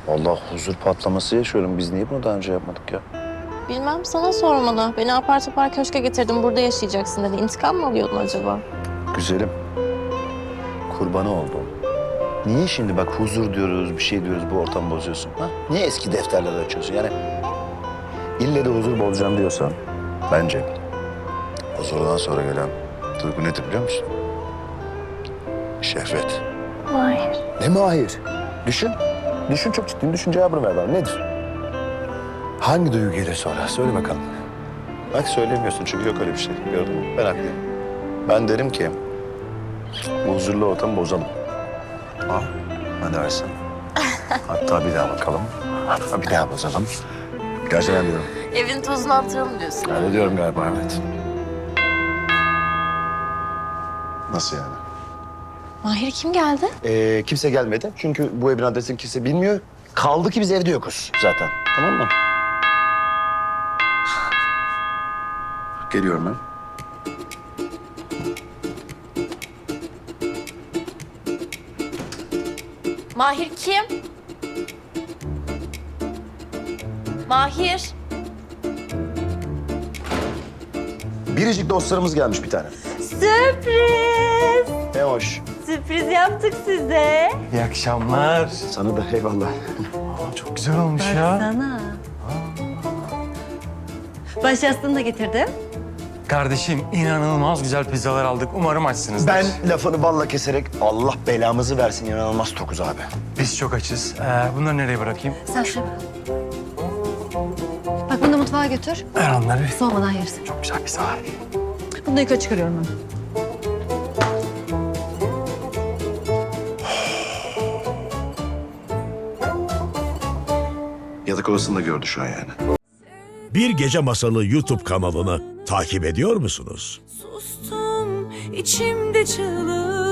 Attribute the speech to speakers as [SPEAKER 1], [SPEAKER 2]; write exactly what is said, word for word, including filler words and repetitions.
[SPEAKER 1] Vallahi huzur patlaması yaşıyorum. Biz niye bunu daha önce yapmadık ya?
[SPEAKER 2] Bilmem, sana sormalı. Beni apar topar köşke getirdim, burada yaşayacaksın dedi. İntikam mı alıyordun acaba?
[SPEAKER 1] Güzelim. Kurbanı oldum. Niye şimdi bak huzur diyoruz, bir şey diyoruz, bu ortamı bozuyorsun? Ha? Niye eski defterleri açıyorsun? Yani ille de huzur bozacağım diyorsan bence huzurdan sonra gelen duygu nedir biliyor musun? Şehvet.
[SPEAKER 2] Hayır.
[SPEAKER 1] Ne mi hayır? Düşün. Düşün, çok ciddiyim. Düşün, cevabını ver bana. Nedir? Hangi duygu gelir sonra? Söyle bakalım. Bak söylemiyorsun çünkü yok öyle bir şey. Gördün mü? Ben haklıyım. Ben derim ki bu huzurlu ortamı bozalım. Ha? Ne dersin? Hatta bir daha bakalım. Hatta bir daha bozalım. Gerçekten diyorum.
[SPEAKER 2] Evin tozunu attıralım diyorsun.
[SPEAKER 1] Öyle diyorum galiba, evet. Nasıl yani?
[SPEAKER 2] Mahir, kim geldi?
[SPEAKER 1] Ee, kimse gelmedi. Çünkü bu evin adresini kimse bilmiyor. Kaldı ki biz evde yokuz zaten. Tamam mı? Geliyorum ben.
[SPEAKER 2] Mahir kim? Mahir.
[SPEAKER 1] Biricik dostlarımız gelmiş bir tane.
[SPEAKER 3] Sürpriz!
[SPEAKER 1] Ne hoş.
[SPEAKER 3] Sürpriz yaptık size.
[SPEAKER 4] İyi akşamlar.
[SPEAKER 1] Sana da eyvallah.
[SPEAKER 4] Aa, çok güzel olmuş ya.
[SPEAKER 3] Sana. Baş yastığını da getirdim.
[SPEAKER 4] Kardeşim inanılmaz güzel pizzalar aldık. Umarım açsınızdır.
[SPEAKER 1] Ben lafını balla keserek Allah belamızı versin, inanılmaz tokuz abi.
[SPEAKER 4] Biz çok açız. Ee, bunları nereye bırakayım?
[SPEAKER 3] Sen şuraya bak. Bak bunu da mutfağa götür.
[SPEAKER 4] Ver onları.
[SPEAKER 3] Soğumadan yersin.
[SPEAKER 4] Çok güzel pizzalar.
[SPEAKER 3] Bunu da yukarı çıkarıyorum ben.
[SPEAKER 1] Yatak odasında gördü şu an yani.
[SPEAKER 5] Bir Gece Masalı YouTube kanalını takip ediyor musunuz?
[SPEAKER 6] Sustum içimde çığlık.